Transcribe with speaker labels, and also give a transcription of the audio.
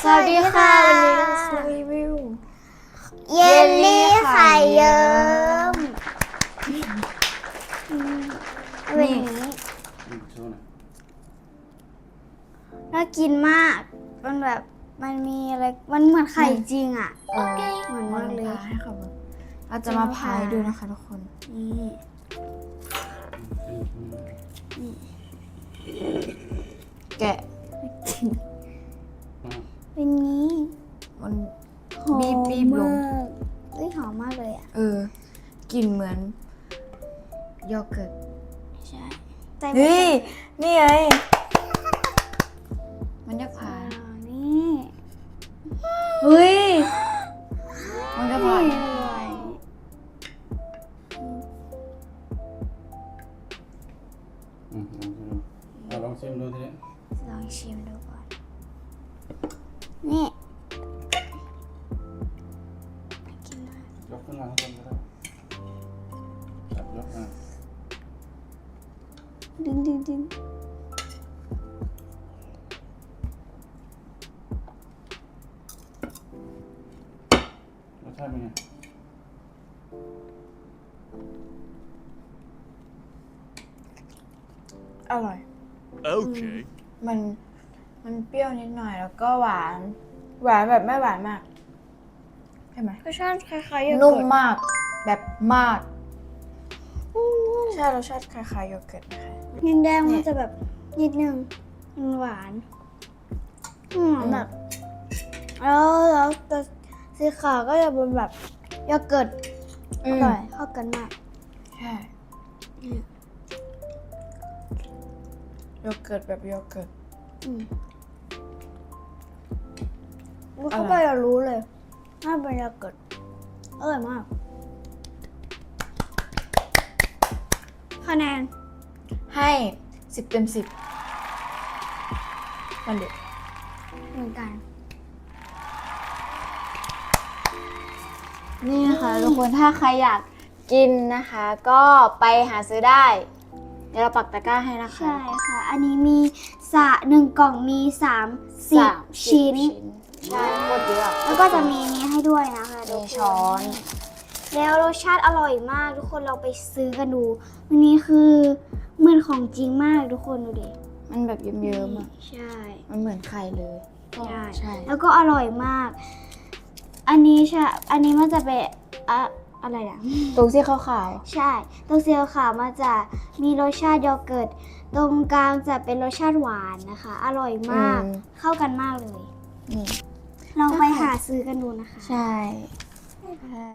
Speaker 1: สวัสดีค่ะวันนี้เราจะรีวิว
Speaker 2: เยลลี่ไข่เยิ้มเป็นอย่างนี้น่ากินมากมันแบบมันมีอะไรมันเหมือนไข่จริงอ่ะเหมือนมากเลย
Speaker 1: ให้เขาเราจะมาพายดูนะคะทุกคน
Speaker 2: นี่
Speaker 1: แกะ
Speaker 2: เป็นนี้
Speaker 1: มัน
Speaker 2: หอม
Speaker 1: บีบลง
Speaker 2: มากเฮ้ยหอมมากเลยอ่ะ
Speaker 1: กลิ่นเหมือนโยเกิร์ต
Speaker 2: ใช่
Speaker 1: เฮ้ยนี่ไงมันจะพาย
Speaker 2: นี่
Speaker 1: เฮ้ยมันจะพาย
Speaker 3: ลองชิมดูทีนี้
Speaker 2: ลองชิมดูก่อนนี่กินได้
Speaker 3: ยกขึ้นมาข้างบนก็ได้จับยกมา
Speaker 2: ดึง
Speaker 3: รสชาติเป็นไง
Speaker 1: อร่อย
Speaker 4: Okay.
Speaker 1: มันเปรี้ยวนิดหน่อยแล้วก็หวานแบบไม่หวานมากใช่ไหม
Speaker 2: รสชาติคล้ายๆโยเกิร์ต
Speaker 1: นุ่มมากแบบมากใช่รสชาติคล้ายๆโยเกิร์ตนะคะ
Speaker 2: แดงมันจะแบบนิดนึงมันหวานแบบแล้วตัวสีขาวก็จะเป็นแบบโยเกิร์ตอร่อยเข้ากันมาก
Speaker 1: ใช่โยเกิร์ตแบบโยเกิร์ต
Speaker 2: เข้าไปเรารู้เลยน่าเป็นโยเกิร์ตอร่อยมากคะแนน
Speaker 1: ให้10 เต็ม 10มันเด็ด
Speaker 2: เหมือนกัน
Speaker 1: นี่นะคะทุกคนถ้าใครอยากกินนะคะก็ไปหาซื้อได้เดี๋ยวเราปักตะกร้าให้นะคะ
Speaker 2: ใช่ค่ะอันนี้มี1 กล่องมี30 ชิ้น
Speaker 1: ใช่โคตรเยอะ
Speaker 2: แล้วก็จะมีนี้ให้ด้วยนะคะ
Speaker 1: มีช้อน
Speaker 2: แล้วรสชาติอร่อยมากทุกคนเราไปซื้อกันดูอันนี้คือเหมือนของจริงมากทุกคนดูดิ
Speaker 1: มันแบบเยิ้มๆอ่ะ
Speaker 2: ใช่
Speaker 1: มันเหมือนไข่เลย
Speaker 2: ใช่แล้วก็อร่อยมากอันนี้มันจะเป็นอะไรนะ
Speaker 1: ตรงที่ขาว
Speaker 2: ๆใช่ตรงสีขาวมันจะมีรสชาติโยเกิร์ตตรงกลางจะเป็นรสชาติหวานนะคะอร่อยมากเข้ากันมากเลย
Speaker 1: นี่
Speaker 2: ลองไปหาซื้อกันดูนะคะ
Speaker 1: ใช่